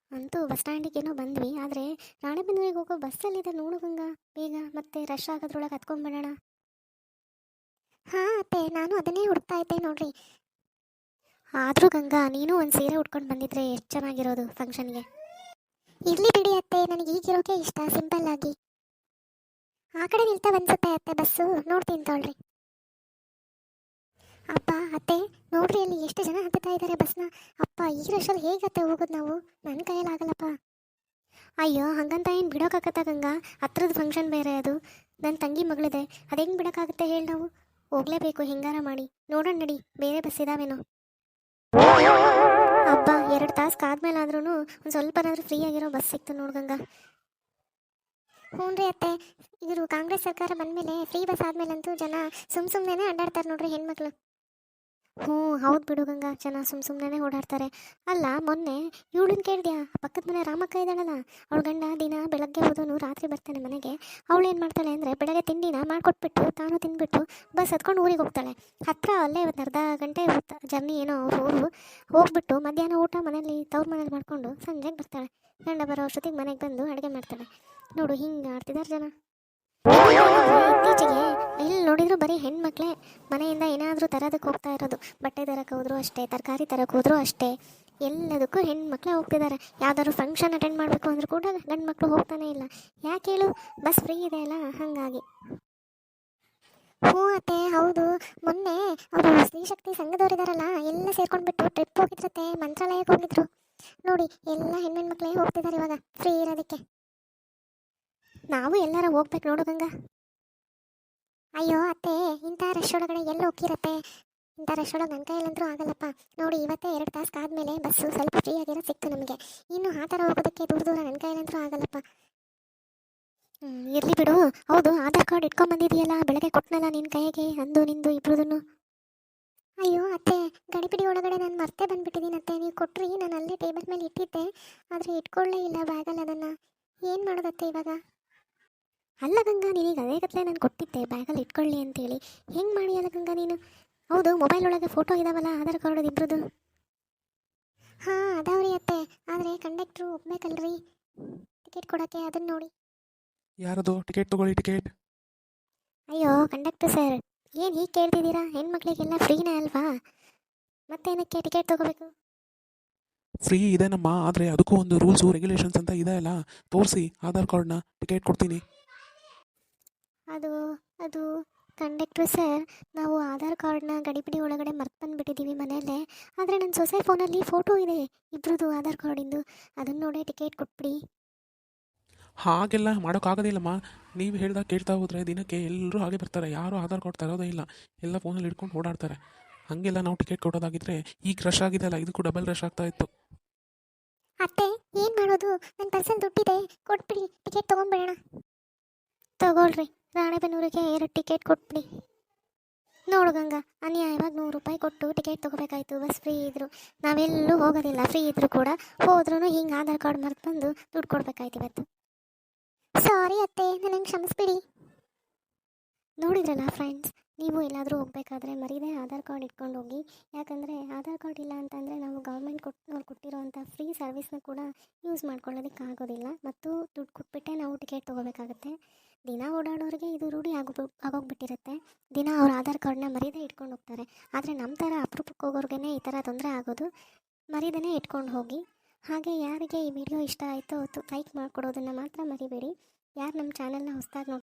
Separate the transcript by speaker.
Speaker 1: ಅಂತೂ ಬಸ್ ಸ್ಟ್ಯಾಂಡಿಗೇನೋ ಬಂದ್ವಿ, ಆದರೆ ರಾಣೆಬೆನ್ನೂರಿಗೆ ಹೋಗೋ ಬಸ್ಸಲ್ಲಿದೆ ನೋಡು ಗಂಗಾ. ಬೇಗ ಮತ್ತೆ ರಶ್ ಆಗೋದ್ರೊಳಗೆ ಹತ್ಕೊಂಡ್ಬಿಡೋಣ. ಹಾಂ ಅತ್ತೆ, ನಾನು ಅದನ್ನೇ ಹುಡುಕ್ತಾ ಇದ್ದೆ ನೋಡ್ರಿ. ಆದರೂ ಗಂಗಾ, ನೀನು ಒಂದು ಸೀರೆ ಉಟ್ಕೊಂಡು ಬಂದಿದ್ರೆ ಎಷ್ಟು ಚೆನ್ನಾಗಿರೋದು ಫಂಕ್ಷನ್ಗೆ. ಇರಲಿ ಬಿಡಿ ಅತ್ತೆ, ನನಗೆ ಈಗಿರೋಕೆ ಇಷ್ಟ, ಸಿಂಪಲ್ ಆಗಿ. ಆ ಕಡೆ ನಿಲ್ತಾ ಅನ್ಸುತ್ತೆ ಅತ್ತೆ ಬಸ್ಸು, ನೋಡ್ತೀನಿ ತೊಳ್ರಿ. ಅಪ್ಪ ಅತ್ತೆ, ನೋಡ್ರಿ ಅಲ್ಲಿ ಎಷ್ಟು ಜನ ಹತ್ತುತ್ತಾ ಇದ್ದಾರೆ ಬಸ್ನ. ಅಪ್ಪ, ಈ ರಶಲ್ಲಿ ಹೇಗತ್ತೆ ಹೋಗೋದು ನಾವು? ನನ್ನ ಕೈಯಲ್ಲಿ ಆಗಲ್ಲಪ್ಪ. ಅಯ್ಯೋ, ಹಂಗಂತ ಏನು ಬಿಡೋಕ್ಕಾಗತ್ತಾ ಗಂಗಾ? ಹತ್ರದ ಫಂಕ್ಷನ್ ಬೇರೆ ಅದು, ನನ್ನ ತಂಗಿ ಮಗಳಿದೆ, ಅದು ಹೆಂಗೆ ಬಿಡೋಕ್ಕಾಗುತ್ತೆ ಹೇಳಿ ನಾವು? ಹೋಗಲೇಬೇಕು ಹೆಂಗಾರ ಮಾಡಿ. ನೋಡೋಣ ನಡಿ, ಬೇರೆ ಬಸ್ ಇದಾವೇನೋ. ಹಬ್ಬ, 2 ತಾಸು ಕಾದ್ಮೇಲಾದ್ರೂ ಒಂದು ಸ್ವಲ್ಪನಾದ್ರೂ ಫ್ರೀ ಆಗಿರೋ ಬಸ್ ಸಿಕ್ತು ನೋಡು ಗಂಗಾ. ಹ್ಞೂ ರೀ ಅತ್ತೆ, ಇವರು ಕಾಂಗ್ರೆಸ್ ಸರ್ಕಾರ ಬಂದಮೇಲೆ ಫ್ರೀ ಬಸ್ ಆದಮೇಲಂತೂ ಜನ ಸುಮ್ಮನೆ ಅಡ್ಡಾಡ್ತಾರೆ ನೋಡ್ರಿ ಹೆಣ್ಮಕ್ಳು. ಹ್ಞೂ ಹೌದು ಬಿಡು ಗಂಗಾ, ಜನ ಸುಮ್ಮನೆ ಓಡಾಡ್ತಾರೆ. ಅಲ್ಲ, ಮೊನ್ನೆ ಇವಳನ್ನ ಕೇಳಿದ್ಯಾ? ಪಕ್ಕದ ಮನೆ ರಾಮಕ್ಕ ಇದ್ದಾಳಲ್ಲ, ಅವಳ ಗಂಡ ದಿನ ಬೆಳಗ್ಗೆ ಹೋದನು ರಾತ್ರಿ ಬರ್ತಾನೆ ಮನೆಗೆ. ಅವಳು ಏನು ಮಾಡ್ತಾಳೆ ಅಂದರೆ, ಬೆಳಗ್ಗೆ ತಿಂಡಿನ ಮಾಡಿಕೊಟ್ಬಿಟ್ಟು ತಾನು ತಿಂದ್ಬಿಟ್ಟು ಬಸ್ ಹತ್ಕೊಂಡು ಊರಿಗೆ ಹೋಗ್ತಾಳೆ. ಹತ್ತಿರ ಅಲ್ಲೇ ಒಂದು ಅರ್ಧ ಗಂಟೆ ಜರ್ನಿ ಏನೋ ಊರು. ಹೋಗ್ಬಿಟ್ಟು ಮಧ್ಯಾಹ್ನ ಊಟ ಮನೇಲಿ ತವ್ರ ಮನೇಲಿ ಮಾಡಿಕೊಂಡು ಸಂಜೆಗೆ ಬರ್ತಾಳೆ. ಗಂಡ ಬರೋ ಅಷ್ಟೊತ್ತಿಗೆ ಮನೆಗೆ ಬಂದು ಅಡುಗೆ ಮಾಡ್ತಾಳೆ. ನೋಡು, ಹಿಂಗೆ ಆಡ್ತಿದ್ದಾರೆ ಜನ. ಇತ್ತೀಚೆಗೆ ಎಲ್ಲಿ ನೋಡಿದ್ರು ಬರೀ ಹೆಣ್ಮಕ್ಳೇ ಮನೆಯಿಂದ ಏನಾದರೂ ತರೋದಕ್ಕೆ ಹೋಗ್ತಾ ಇರೋದು. ಬಟ್ಟೆ ತರಕ್ಕೆ ಹೋದ್ರು ಅಷ್ಟೇ, ತರಕಾರಿ ತರಕ್ಕೆ ಹೋದ್ರು ಅಷ್ಟೇ, ಎಲ್ಲದಕ್ಕೂ ಹೆಣ್ಮಕ್ಳೇ ಹೋಗ್ತಿದ್ದಾರೆ. ಯಾವ್ದಾದ್ರು ಫಂಕ್ಷನ್ ಅಟೆಂಡ್ ಮಾಡಬೇಕು ಅಂದರೂ ಕೂಡ ಗಂಡು ಮಕ್ಕಳು ಹೋಗ್ತಾನೆ ಇಲ್ಲ. ಯಾಕೆ ಹೇಳು? ಬಸ್ ಫ್ರೀ ಇದೆ ಅಲ್ಲ, ಹಾಗಾಗಿ. ಹ್ಞೂ ಅತ್ತೆ, ಹೌದು. ಮೊನ್ನೆ ಅವರು ಸ್ತ್ರೀಶಕ್ತಿ ಸಂಘದವರಿದಾರಲ್ಲ, ಎಲ್ಲ ಸೇರ್ಕೊಂಡ್ಬಿಟ್ಟು ಟ್ರಿಪ್ ಹೋಗಿದ್ರತ್ತೆ, ಮಂತ್ರಾಲಯಕ್ಕೆ ಹೋಗಿದ್ರು. ನೋಡಿ, ಎಲ್ಲ ಹೆಣ್ಮಕ್ಳೇ ಹೋಗ್ತಿದ್ದಾರೆ ಇವಾಗ ಫ್ರೀ ಇರೋದಕ್ಕೆ. ನಾವು ಎಲ್ಲಾರ ಹೋಗ್ಬೇಕು ನೋಡು ಗಂಗಾ. ಅಯ್ಯೋ ಅತ್ತೆ, ಇಂಥ ರಶ್ ಒಳಗಡೆ ಎಲ್ಲಿ ಹೋಗಿರತ್ತೆ? ಇಂಥ ರಶ್ ಒಳಗೆ ನನ್ನ ಕೈಯಲ್ಲಂತೂ ಆಗಲ್ಲಪ್ಪ. ನೋಡಿ, ಇವತ್ತೇ 2 ತಾಸು ಕಾದ್ಮೇಲೆ ಬಸ್ಸು ಸ್ವಲ್ಪ ಫ್ರೀ ಆಗಿರೋ ಸಿಕ್ತು ನಮಗೆ. ಇನ್ನು ಆ ಥರ ಹೋಗೋದಕ್ಕೆ ದೂರ ನನ್ನ ಕೈಯಲ್ಲಂತೂ ಆಗಲ್ಲಪ್ಪ. ಇರಲಿ ಬಿಡು. ಹೌದು, ಆಧಾರ್ ಕಾರ್ಡ್ ಇಟ್ಕೊಂಬಂದಿದೆಯಲ್ಲ, ಬೆಳಗ್ಗೆ ಕೊಟ್ಟನಲ್ಲ ನಿನ್ನ ಕೈಗೆ, ಅಂದು ನಿಂದು ಇಬ್ರದನ್ನು. ಅಯ್ಯೋ ಅತ್ತೆ, ಗಡಿಬಿಡಿ ಒಳಗಡೆ ನಾನು ಮರ್ತೇ ಬಂದುಬಿಟ್ಟಿದ್ದೀನಿ ಅತ್ತೆ. ನೀವು ಕೊಟ್ರಿ, ನಾನು ಅಲ್ಲೇ ಟೇಬಲ್ ಮೇಲೆ ಇಟ್ಟಿದ್ದೆ, ಆದರೆ ಇಟ್ಕೊಳ್ಳೇ ಇಲ್ಲ ಬ್ಯಾಗಲ್ಲಿ ಅದನ್ನು. ಏನು ಮಾಡೋದತ್ತೆ ಇವಾಗ? ಅಲ್ಲ ಗಂಗಾ, ನಿನಗೆ ಅದೇ ಗತ್ತಲೆ ನಾನು ಕೊಟ್ಟಿದ್ದೆ ಬ್ಯಾಗಲ್ಲಿ ಇಟ್ಕೊಳ್ಳಿ ಅಂತೇಳಿ. ಹೆಂಗೆ ಮಾಡಿಯಲ್ಲ ಗಂಗಾ ನೀನು? ಹೌದು, ಮೊಬೈಲ್ ಒಳಗೆ ಫೋಟೋ ಇದಾವಲ್ಲ ಆಧಾರ್ ಕಾರ್ಡ್ ಇಬ್ಬರದು. ಹಾಂ ಅದಾವ್ರಿ ಅತ್ತೆ, ಆದರೆ ಕಂಡಕ್ಟ್ರು ಒಪ್ಬೇಕಲ್ರಿ ಟಿಕೆಟ್ ಕೊಡೋಕ್ಕೆ, ಅದನ್ನು ನೋಡಿ.
Speaker 2: ಯಾರದು? ಟಿಕೆಟ್ ತಗೊಳ್ಳಿ, ಟಿಕೆಟ್.
Speaker 1: ಅಯ್ಯೋ ಕಂಡಕ್ಟ್ರು ಸರ್, ಏನು ಹೀಗೆ ಕೇಳ್ತಿದ್ದೀರಾ? ಹೆಣ್ಮಕ್ಳಿಗೆಲ್ಲ ಫ್ರೀನೇ ಅಲ್ವಾ, ಮತ್ತೇನಕ್ಕೆ ಟಿಕೆಟ್ ತೊಗೋಬೇಕು?
Speaker 2: ಫ್ರೀ ಇದೆನಮ್ಮ, ಆದರೆ ಅದಕ್ಕೂ ಒಂದು ರೂಲ್ಸು ರೆಗ್ಯುಲೇಷನ್ಸ್ ಅಂತ ಇದೆ ಅಲ್ಲ. ತೋರಿಸಿ ಆಧಾರ್ ಕಾರ್ಡ್ನ, ಟಿಕೆಟ್ ಕೊಡ್ತೀನಿ.
Speaker 1: ಅದು ಅದು ಕಂಡಕ್ಟ್ರು ಸರ್, ನಾವು ಆಧಾರ್ ಕಾರ್ಡ್ನ ಗಡಿಬಿಡಿ ಒಳಗಡೆ ಮರ್ತು ಬಂದುಬಿಟ್ಟಿದ್ದೀವಿ ಮನೆಯಲ್ಲೇ. ಆದರೆ ನನ್ನ ಸೊಸೆ ಫೋನಲ್ಲಿ ಫೋಟೋ ಇದೆ ಇಬ್ಬರದು ಆಧಾರ್ ಕಾರ್ಡಿಂದು, ಅದನ್ನು ನೋಡಿ ಟಿಕೆಟ್ ಕೊಟ್ಬಿಡಿ.
Speaker 2: ಹಾಗೆಲ್ಲ ಮಾಡೋಕ್ಕಾಗೋದಿಲ್ಲಮ್ಮ. ನೀವು ಹೇಳ್ದಾಗ ಕೇಳ್ತಾ ಹೋದರೆ ದಿನಕ್ಕೆ ಎಲ್ಲರೂ ಹಾಗೆ ಬರ್ತಾರೆ, ಯಾರೂ ಆಧಾರ್ ಕಾರ್ಡ್ ತರೋದೇ ಇಲ್ಲ, ಎಲ್ಲ ಫೋನಲ್ಲಿ ಇಟ್ಕೊಂಡು ಓಡಾಡ್ತಾರೆ. ಹಾಗೆಲ್ಲ ನಾವು ಟಿಕೆಟ್ ಕೊಡೋದಾಗಿದ್ದರೆ ಈಗ ರಶ್ ಆಗಿದೆ ಅಲ್ಲ, ಇದಕ್ಕೂ ಡಬಲ್ ರಶ್ ಆಗ್ತಾ ಇತ್ತು.
Speaker 1: ಅತ್ತೆ, ಏನು ಮಾಡೋದು? ನನ್ನ ಪರ್ಸನ್ ದುಡ್ಡಿದೆ, ಕೊಟ್ಬಿಡಿ, ಟಿಕೆಟ್ ತೊಗೊಂಬಿಡೋಣ. ತಗೊಳ್ರಿ, ರಾಣೆಬೆನ್ನೂರಿಗೆ 2 ಟಿಕೆಟ್ ಕೊಟ್ಬಿಡಿ. ನೋಡು ಗಂಗಾ, ಅನ್ಯಾಯವಾಗಿ 100 ರೂಪಾಯಿ ಕೊಟ್ಟು ಟಿಕೆಟ್ ತೊಗೋಬೇಕಾಯ್ತು. ಬಸ್ ಫ್ರೀ ಇದ್ರು ನಾವೆಲ್ಲೂ ಹೋಗೋದಿಲ್ಲ, ಫ್ರೀ ಇದ್ದರೂ ಕೂಡ ಹೋದ್ರೂ ಹಿಂಗೆ ಆಧಾರ್ ಕಾರ್ಡ್ ಮರ್ತು ಬಂದು ದುಡ್ಡು ಕೊಡ್ಬೇಕಾಯ್ತು ಇವತ್ತು. ಸಾರಿ ಅತ್ತೆ, ನನಗೆ ಕ್ಷಮಿಸ್ಬಿಡಿ. ನೋಡಿದ್ರಲ್ಲ ಫ್ರೆಂಡ್ಸ್, ನೀವು ಎಲ್ಲಾದರೂ ಹೋಗಬೇಕಾದ್ರೆ ಮರೀದೇ ಆಧಾರ್ ಕಾರ್ಡ್ ಇಟ್ಕೊಂಡು ಹೋಗಿ. ಯಾಕಂದರೆ ಆಧಾರ್ ಕಾರ್ಡ್ ಇಲ್ಲ ಅಂತಂದರೆ ನಾವು ಗೌರ್ಮೆಂಟ್ ಕೊಟ್ಟಿರೋವಂಥ ಫ್ರೀ ಸರ್ವಿಸ್ನ ಕೂಡ ಯೂಸ್ ಮಾಡ್ಕೊಳ್ಳೋದಕ್ಕೆ ಆಗೋದಿಲ್ಲ, ಮತ್ತು ದುಡ್ಡು ಕೊಟ್ಬಿಟ್ಟೆ ನಾವು ಟಿಕೆಟ್ ತೊಗೋಬೇಕಾಗತ್ತೆ. ದಿನ ಓಡಾಡೋರಿಗೆ ಇದು ರೂಢಿ ಆಗೋಗ್ಬಿಟ್ಟಿರುತ್ತೆ. ದಿನ ಅವ್ರ ಆಧಾರ್ ಕಾರ್ಡ್ನ ಮರೀದೇ ಇಟ್ಕೊಂಡು ಹೋಗ್ತಾರೆ. ಆದರೆ ನಮ್ಮ ಥರ ಅಪರೂಪಕ್ಕೆ ಹೋಗೋರ್ಗೇ ಈ ಥರ ತೊಂದರೆ ಆಗೋದು. ಮರೀದೇ ಇಟ್ಕೊಂಡು ಹೋಗಿ. ಹಾಗೆ ಯಾರಿಗೆ ಈ ವಿಡಿಯೋ ಇಷ್ಟ ಆಯಿತೋ ಲೈಕ್ ಮಾಡಿಕೊಡೋದನ್ನು ಮಾತ್ರ ಮರಿಬೇಡಿ. ಯಾರು ನಮ್ಮ ಚಾನಲ್ನ ಹೊಸದಾಗಿ